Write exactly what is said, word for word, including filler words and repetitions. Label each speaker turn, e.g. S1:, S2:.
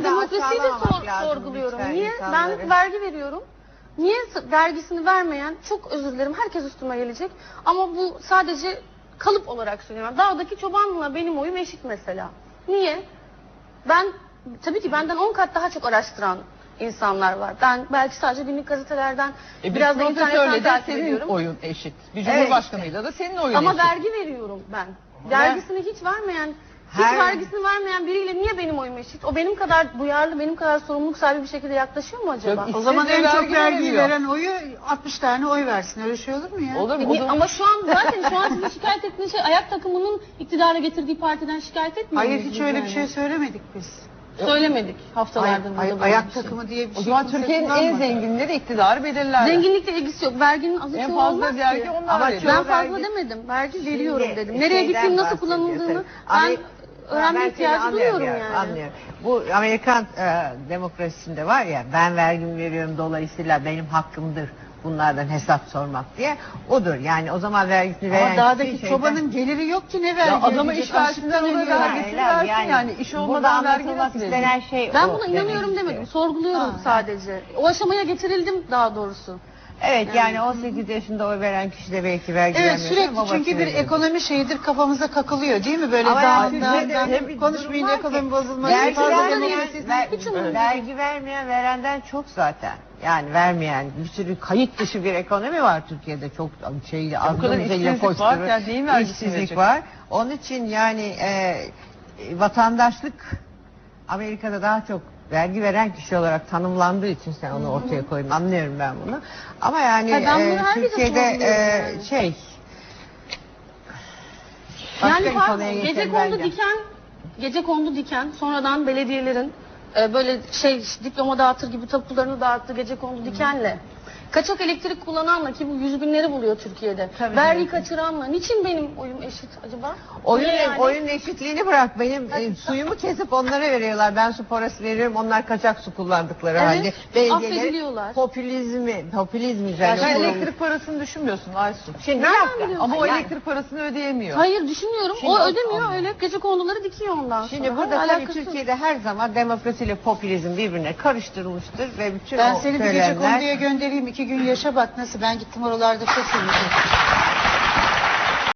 S1: demokrasiyi de sor,
S2: lazım
S1: sorguluyorum.
S2: lütfen
S1: Niye?
S2: insanları.
S1: Ben vergi veriyorum. Niye vergisini vermeyen, çok özür dilerim, herkes üstüme gelecek. Ama bu sadece kalıp olarak söylüyorum. Dağdaki çobanla benim oyum eşit mesela. Niye? Ben, tabii ki benden on kat daha çok araştıran insanlar var. Ben belki sadece günlük gazetelerden,
S3: E,
S1: biraz da internetten
S3: de
S1: takip
S3: senin
S1: ediyorum.
S3: oyun eşit. Bir cumhurbaşkanıyla da senin oyun
S1: Ama
S3: eşit.
S1: vergi veriyorum ben. Vergisini hiç vermeyen, hiç
S2: Her-
S1: vergisini vermeyen biriyle niye benim oyum eşit? O benim kadar duyarlı, benim kadar sorumluluk sahibi bir şekilde yaklaşıyor mu acaba?
S3: Yok,
S4: O zaman
S3: İşsiz de
S4: en çok
S3: vergi
S4: vergiyi
S3: veremiyor.
S4: veren oyu altmış tane oy versin. Öyle şey olur mu ya?
S3: Olur mu?
S1: E,
S3: O
S1: niye-
S3: zaman-
S1: Ama şu an zaten şu an sizin şikayet ettiğiniz şey ayak takımının iktidara getirdiği partiden şikayet etmiyor
S4: Hayır
S1: musunuz
S4: hiç öyle
S1: yani?
S4: bir şey söylemedik biz.
S1: Söylemedik haftalardır.
S4: Ay-
S1: burada
S4: ay-
S1: böyle
S4: ayak
S1: bir şey.
S4: takımı diye bir
S3: O
S4: şey
S3: zaman
S4: kimse
S3: Türkiye'nin en
S4: kullanmadı.
S3: zenginleri iktidarı belirler.
S1: Zenginlikle ilgisi yok. Verginin azı
S3: En
S1: çoğu
S3: fazla
S1: olmaz
S3: vergi
S1: ki.
S3: onlar
S2: Ama
S3: veriyor.
S1: Ben
S2: Çoğu
S1: fazla
S2: vergi-
S1: demedim. Vergi
S2: Şimdi
S1: veriyorum dedim. Nereye
S2: şeyden
S1: gittiğini nasıl
S2: bahsediyorsun.
S1: kullanıldığını ben
S2: Ameri-
S1: öğrenme
S2: Ben
S1: ihtiyacı
S2: seni
S1: duyuyorum
S2: anlıyorum,
S1: yani.
S2: Anlıyorum. Bu Amerikan e, demokrasisinde var ya, ben vergimi veriyorum dolayısıyla benim hakkımdır bunlardan hesap sormak diye. Odur yani, o zaman vergisini veren
S4: Ama dağdaki
S2: kişi
S4: çobanın geliri yok ki ne vergi
S3: Ya adama
S4: ödeyecek?
S3: iş versinler,
S4: Açlıktan
S3: ona
S4: ölüyor.
S3: vergisini
S2: Hayır,
S3: versin yani. İş
S2: burada
S3: olmadan vergi
S2: anlatılmak
S3: nasıl
S2: istenen
S3: verecek?
S2: şey
S1: Ben
S2: o
S1: buna
S2: demek
S1: inanıyorum
S2: istiyor.
S1: demedim. Sorguluyorum
S4: Ha.
S1: sadece. O aşamaya getirildim daha doğrusu.
S2: Evet yani on sekiz yaşında oy veren kişi de belki vergi
S4: Evet
S2: vermiyor.
S4: sürekli
S2: Babası
S4: çünkü bir
S2: veriyor.
S4: ekonomi şeyidir kafamıza kakılıyor değil mi? Böyle
S2: Ama
S4: daha
S2: yani
S4: daha
S2: Türkiye'de
S4: daha
S2: öyle bir
S4: konuşmayın
S2: durum var
S4: ekonomi
S2: ki,
S4: bozulmaz.
S2: Vergi
S4: fazla
S2: vermeyen,
S4: demokrasi-
S2: ver-
S1: Hiç umurumda
S2: vergi vermeyen verenden çok zaten. Yani vermeyen bir sürü kayıt dışı bir ekonomi var Türkiye'de, çok şeyle
S3: bu kadar işsizlik var, yani neyin vergisini
S2: işsizlik
S3: verecek?
S2: var. Onun için yani e, vatandaşlık Amerika'da daha çok vergi veren kişi olarak tanımlandığı için sen onu ortaya koyun, anlıyorum ben bunu. Ama yani
S1: Hayır, ben bunu
S2: e,
S1: herkese
S2: Türkiye'de
S1: sorguluyorum
S2: e,
S1: yani.
S2: şey başka
S1: Yani
S2: bir
S1: pardon,
S2: konuya
S1: gece
S2: geçelim
S1: kondu
S2: bence.
S1: diken, gece kondu diken, sonradan belediyelerin e, böyle şey diploma dağıtır gibi tapularını dağıttı gece kondu dikenle. Kaçak elektrik kullananla, ki bu yüz binleri buluyor Türkiye'de.
S2: Tabii,
S1: Vergi
S2: tabii.
S1: kaçıranla. Niçin benim oyum eşit acaba?
S2: Oyun,
S1: Niye yani?
S2: oyun eşitliğini bırak, benim e, suyumu kesip onlara veriyorlar. Ben su parası veriyorum, onlar kaçak su kullandıkları
S1: Evet,
S2: halde. Belediyeler
S1: affediliyorlar.
S2: popülizmi, popülizm
S3: Yani
S2: üzerine
S3: sen
S2: kurulu.
S3: elektrik parasını düşünmüyorsun Aysun.
S2: Şimdi bir
S1: Nereden
S2: dakika.
S1: biliyorsun?
S3: Ama o
S2: Yani-
S3: elektrik parasını ödeyemiyor.
S1: Hayır düşünüyorum.
S2: Şimdi
S1: o
S2: o-
S1: ödemiyor,
S2: Allah.
S1: öyle gece konduları dikiyor ondan
S2: Şimdi
S1: sonra.
S2: burada
S1: Hayır,
S2: tabii
S1: alakası yok.
S2: Türkiye'de her zaman demokrasiyle popülizm birbirine karıştırılmıştır ve bütün
S4: Ben
S2: o
S4: seni bir gece
S2: söylemler...
S4: konduya göndereyim iki gün yaşa bak nasıl ben gittim oralarda çok iyiydi.